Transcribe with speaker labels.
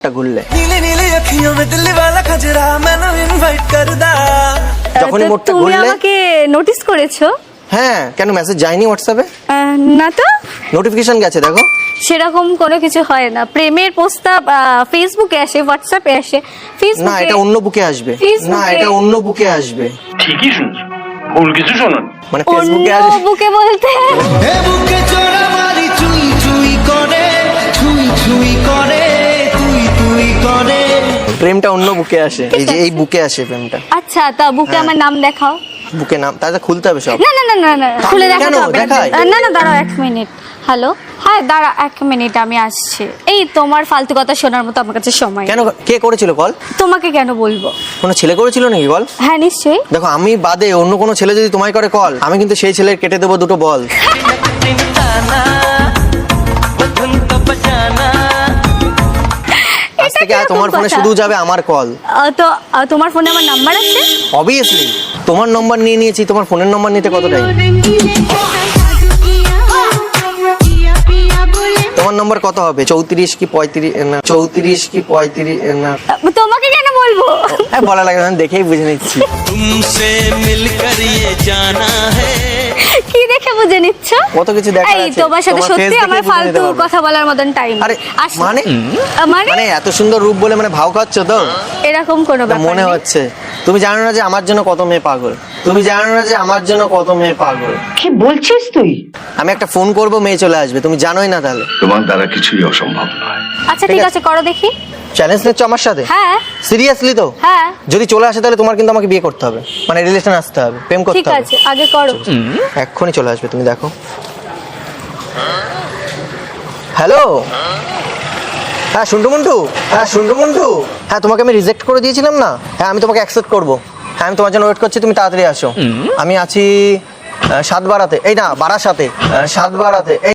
Speaker 1: ঘুরলে
Speaker 2: যখনই মোটটা
Speaker 1: তুমি
Speaker 2: ঘুরলে
Speaker 1: আমাকে নোটিস করেছো?
Speaker 2: হ্যাঁ, কেন মেসেজ যায়নি হোয়াটসঅ্যাপে?
Speaker 1: না তো,
Speaker 2: নোটিফিকেশন গেছে দেখো।
Speaker 1: সেরকম কোনো কিছু হয় না। প্রেমের প্রস্তাব ফেসবুকে আসে, হোয়াটসঅ্যাপে আসে।
Speaker 2: না,
Speaker 1: ফেসবুকে
Speaker 2: এটা অন্য বুকে আসবে।
Speaker 1: ফেসবুকে-
Speaker 2: না, এটা অন্য বুকে আসবে।
Speaker 3: ঠিকই শুনছো, ভুল কিছু শোনেন।
Speaker 2: মানে
Speaker 1: অন্য
Speaker 2: ফেসবুকে আসবে।
Speaker 1: বুকে বলতে
Speaker 4: হে বুকে চোরা মারি চুই চুই করে চুই চুই করে তুই তুই করে।
Speaker 2: প্রেমটা অন্য বুকে আসে, এই যে এই বুকে আসে প্রেমটা।
Speaker 1: আচ্ছা, তা বুকে আমার নাম দেখাও।
Speaker 2: বুকে নাম তাহলে খুলতে হবে সব।
Speaker 1: না না না না না, খুলে
Speaker 2: কেন?
Speaker 1: দেখাতে হবে না।
Speaker 2: দেখাই।
Speaker 1: না না, দাঁড়াও 1 মিনিট। হ্যালো, হ্যাঁ দাঁড়া 1 মিনিট, আমি আসছি। এই তোমার ফালতু কথা শোনার মতো আমার কাছে সময় নেই।
Speaker 2: কেন, কে করেছিল কল?
Speaker 1: তোমাকে কেন বলবো?
Speaker 2: কোনো ছেলে করেছিল নাকি কল?
Speaker 1: হ্যাঁ নিশ্চয়ই।
Speaker 2: দেখো, আমি বাদে অন্য কোনো ছেলে যদি তোমায় করে কল, আমি কিন্তু সেই ছেলের কেটে দেবো দুটো বল। আজ থেকে আর তোমার ফোনে শুধু যাবে আমার কল।
Speaker 1: তো তোমার ফোনে আমার নাম্বার আছে?
Speaker 2: অবভিয়াসলি তোমার নম্বর নিয়ে নিয়েছি, তোমার ফোনের নম্বর নিতে কত টাইম? তোমার নম্বর কত হবে? 34 কি 35? না 34 কি 35? না
Speaker 1: তোমাকে কেন বলবো?
Speaker 2: বলা লাগে না, আমি দেখেই বুঝে নিচ্ছি।
Speaker 4: तुमसे मिलकर ये जाना है।
Speaker 1: কি দেখে বুঝে নিচ্ছ?
Speaker 2: কত কিছু দেখার
Speaker 1: এই
Speaker 2: আছে।
Speaker 1: তোমার সাথে
Speaker 2: তোমার
Speaker 1: সত্যি
Speaker 2: face
Speaker 1: আমার
Speaker 2: দেখেই বুঝে নিতে
Speaker 1: ফালতু
Speaker 2: পারবো।
Speaker 1: কথা বলার মতন টাইম।
Speaker 2: আরে মানে
Speaker 1: মানে
Speaker 2: মানে এত সুন্দর রূপ বলে মানে ভাও খাচ্ছ তো?
Speaker 1: এরকম কোনো
Speaker 2: তা
Speaker 1: ব্যাপার
Speaker 2: মনে
Speaker 1: নেই।
Speaker 2: হচ্ছে তুমি জানো না যে আমার জন্য কত মেয়ে পাগল। তুমি জানো না যে আমার জন্য কত মেয়ে পাগল।
Speaker 5: কি বলছিস তুই?
Speaker 2: আমি একটা ফোন করব, মেয়ে চলে আসবে, তুমি জানোই না। তাহলে
Speaker 3: তোমার দ্বারা কিছুই অসম্ভব নয়।
Speaker 1: আচ্ছা
Speaker 2: ঠিক
Speaker 1: ঠিক
Speaker 2: আছে।
Speaker 1: আছে, করো দেখি।
Speaker 2: চ্যালেঞ্জ নিচ্ছ আমার সাথে?
Speaker 1: হ্যাঁ
Speaker 2: সিরিয়াসলি তো?
Speaker 1: হ্যাঁ
Speaker 2: যদি চলে আসে তাহলে তোমার কিন্তু আমাকে বিয়ে করতে হবে, মানে রিলেশন আসতে হবে, প্রেম করতে
Speaker 1: ঠিক
Speaker 2: হবে।
Speaker 1: আছে, আগে করো।
Speaker 2: এক্ষুনি চলে আসবে, তুমি দেখো। হ্যালো, হ্যাঁ শুন্টু মুন্টু, হ্যাঁ শুন্টু মুন্টু, হ্যাঁ তোমাকে আমি রিজেক্ট করে দিয়েছিলাম না? হ্যাঁ আমি তোমাকে অ্যাকসেপ্ট করবো। হ্যাঁ আমি তোমার জন্য ওয়েট করছি, তুমি তাড়াতাড়ি আসো। আমি আছি 7 বারাতে, এই না বারাসাতে, 7 বারাতে।